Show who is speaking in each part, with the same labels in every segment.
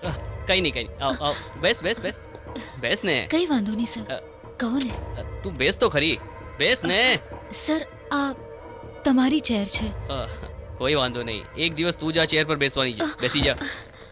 Speaker 1: કઈ નહીં આવ આવ બેસ બેસ બેસ બેસ ને
Speaker 2: કઈ વાંધો નહીં સર, કહો ને.
Speaker 1: તું બેસ તો ખરી, બેસ ને.
Speaker 2: સર, આ તમારી ચેર છે.
Speaker 1: કોઈ વાંધો નહીં, એક દિવસ તું જ આ ચેર પર બેસવાની છે. બેસી જા.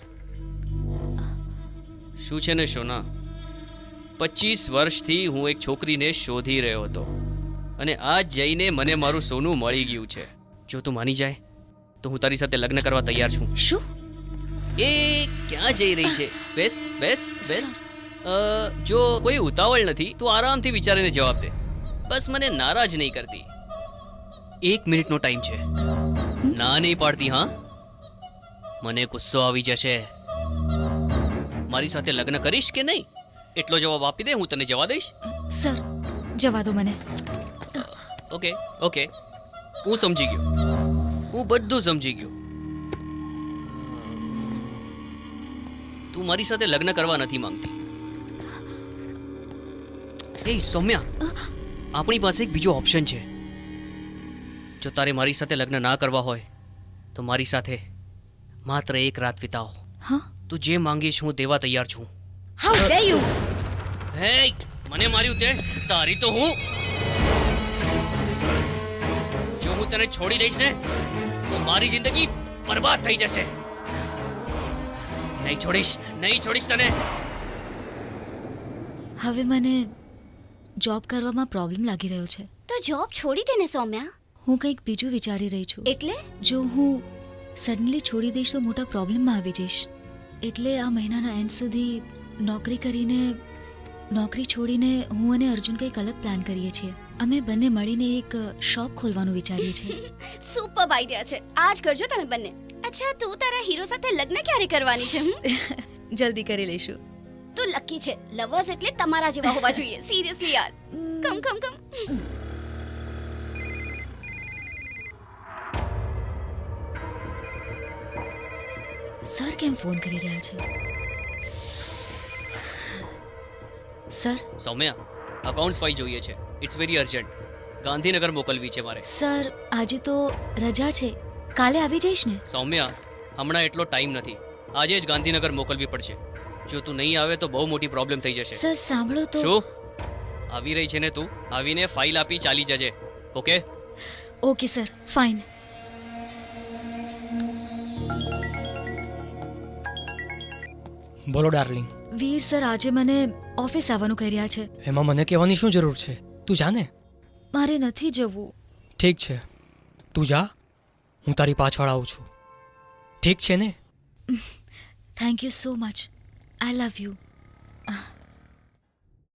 Speaker 1: શું છે ને શોના, 25 વર્ષથી હું એક છોકરીને શોધી રહ્યો હતો અને આજ જઈને મને મારું સોનું મળી ગયું છે. જો તું માની જાય તો હું તારી સાથે લગ્ન કરવા તૈયાર છું.
Speaker 2: શું?
Speaker 1: એ ક્યાં જઈ રહી છે? બેસ બેસ બેસ. જો કોઈ ઉતાવળ નથી, તું આરામથી વિચારીને જવાબ દે. બસ મને નારાજ નહીં કરતી. 1 મિનિટનો ટાઈમ છે. ના નહીં પાડતી? હા, મને ગુસ્સો આવી જશે. મારી સાથે લગ્ન કરીશ કે નહીં એટલો જવાબ આપી દે, હું તને જવા દઈશ.
Speaker 2: સર, જવા દો મને.
Speaker 1: ઓકે ઓકે, હું સમજી ગયો, હું બધું સમજી ગયો. તું મારી સાથે લગ્ન કરવા નથી માંગતી. એ સૌમ્યા, આપણી પાસે એક બીજો ઓપ્શન છે. જો તારે મારી સાથે લગ્ન ના કરવા હોય તો મારી સાથે માત્ર એક રાત વિતાવો.
Speaker 2: હા?
Speaker 1: તું જે માંગીશ હું દેવા તૈયાર છું.
Speaker 2: How dare you!
Speaker 1: હે, મને માર્યું તે, તારી તો હું. જો હું તને છોડી દઈશ ને તો મારી જિંદગી બરબાદ થઈ જશે. નહીં છોડીશ તને.
Speaker 2: હવે મને જોબ કરવામાં પ્રોબ્લેમ લાગી રહ્યો છે.
Speaker 3: તો જોબ છોડી દે ને સૌમ્યા.
Speaker 2: હું કંઈક બીજું વિચારી રહી છું.
Speaker 3: એટલે
Speaker 2: જો હું સડનલી છોડી દઈશ તો મોટા પ્રોબ્લેમમાં આવી જઈશ. એટલે આ મહિનાના એન્ડ સુધી નોકરી છોડીને હું અને અર્જુન કંઈક અલગ પ્લાન કરીએ છીએ. અમે બંને મળીને એક શોપ ખોલવાનું વિચારીએ છીએ.
Speaker 3: સુપર આઈડિયા છે, આજ કરજો તમે બંને. અચ્છા, તું તારા હીરો સાથે લગ્ન ક્યારે કરવાની છે?
Speaker 2: જલ્દી કરી લઈશું.
Speaker 3: તું લકી છે. લવર્સ એટલે તમારા જેવા હોવા જોઈએ. સિરિયસલી યાર. કમ કમ કમ.
Speaker 2: સર કેમ ફોન કરી રહ્યા છે? સર?
Speaker 1: સૌમ્યા, અકાઉન્ટ્સ ફાઇલ જોઈએ છે. It's very urgent. ગાંધીનગર મોકલવી છે મારે.
Speaker 2: સર, આજે તો રજા છે, કાલે આવી જઈશ ને?
Speaker 1: સૌમ્યા, હમણાં એટલો ટાઈમ નથી. આજે જ ગાંધીનગર મોકલવી પડશે. જો તું નહીં આવે તો બહુ મોટી પ્રોબ્લેમ થઈ જશે.
Speaker 2: સર સાંભળો તો.
Speaker 1: શું આવી રહી છે ને તું? આવીને ફાઇલ આપી ચાલી જજે. Okay
Speaker 2: okay sir, fine.
Speaker 4: બોલો ડાર્લિંગ.
Speaker 2: વીર સર આજે મને ઓફિસ આવવાનું કહી રહ્યા છે.
Speaker 4: એમાં મને કહેવાની શું જરૂર છે? તું જા ને.
Speaker 2: મારે નથી જવું.
Speaker 4: ઠીક છે, તું જા, હું તારી પાછળ આવું છું. ઠીક છે ને?
Speaker 2: Thank you so much. I love you.